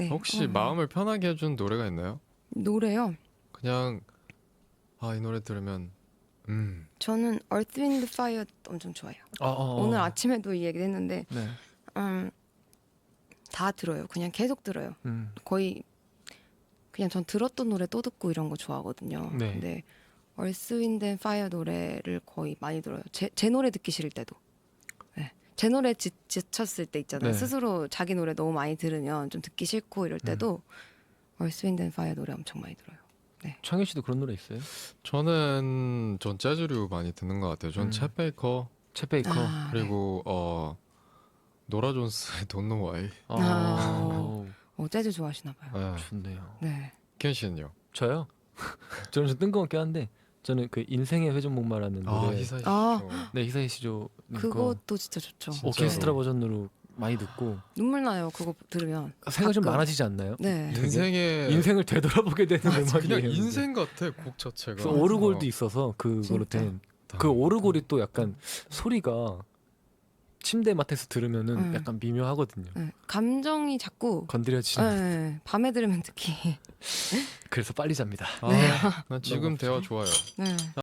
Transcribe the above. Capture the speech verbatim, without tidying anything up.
네. 혹시 어, 마음을 편하게 해준 노래가 있나요? 노래요? 그냥 아, 이 노래 들으면 음 저는 Earth, Wind, Fire 엄청 좋아해요. 어, 어, 어. 오늘 아침에도 이 얘기를 했는데 네. 음, 다 들어요. 그냥 계속 들어요. 음. 거의 그냥 전 들었던 노래 또 듣고 이런 거 좋아하거든요. 네. 근데 Earth, Wind, and Fire 노래를 거의 많이 들어요. 제, 제 노래 듣기 싫을 때도. 네. 제 노래 지, 지쳤을 때 있잖아요. 네. 스스로 자기 노래 너무 많이 들으면 좀 듣기 싫고 이럴 때도 Earth, Wind, and Fire 노래 엄청 많이 들어요. 창현 씨도 그런 노래 있어요? 저는 전 재즈류 많이 듣는 것 같아요. 전 음. 챗 베이커 챗 베이커. 아, 네. 그리고 어 노라 존스의 Don't Know Why. 아, 어, 재즈 좋아하시나 봐요. 네. 좋네요. 네. 켄 씨는요? 저요? 저는 좀 뜬금없긴 한데 저는 그 인생의 회전목마라는 아 노래. 히사이 아. 시죠. 네, 히사이 시조 그것도 진짜 좋죠. 진짜. 오케스트라 네. 버전으로 많이 듣고 눈물 나요. 그거 들으면. 생각 좀 가끔. 많아지지 않나요? 네. 되게 인생의 인생을 되돌아보게 되는 그냥 음악이에요. 인생 같아 곡 자체가. 그래서 오르골도 있어서 그거로 진짜. 된. 어, 그 오르골이 또 약간 소리가 침대 맡에서 들으면은 음. 약간 미묘하거든요. 네. 감정이 자꾸 건드려지는. 네. 밤에 들으면 특히 그래서 빨리 잡니다. 아, 난 지금 너무 대화 좋아요. 네.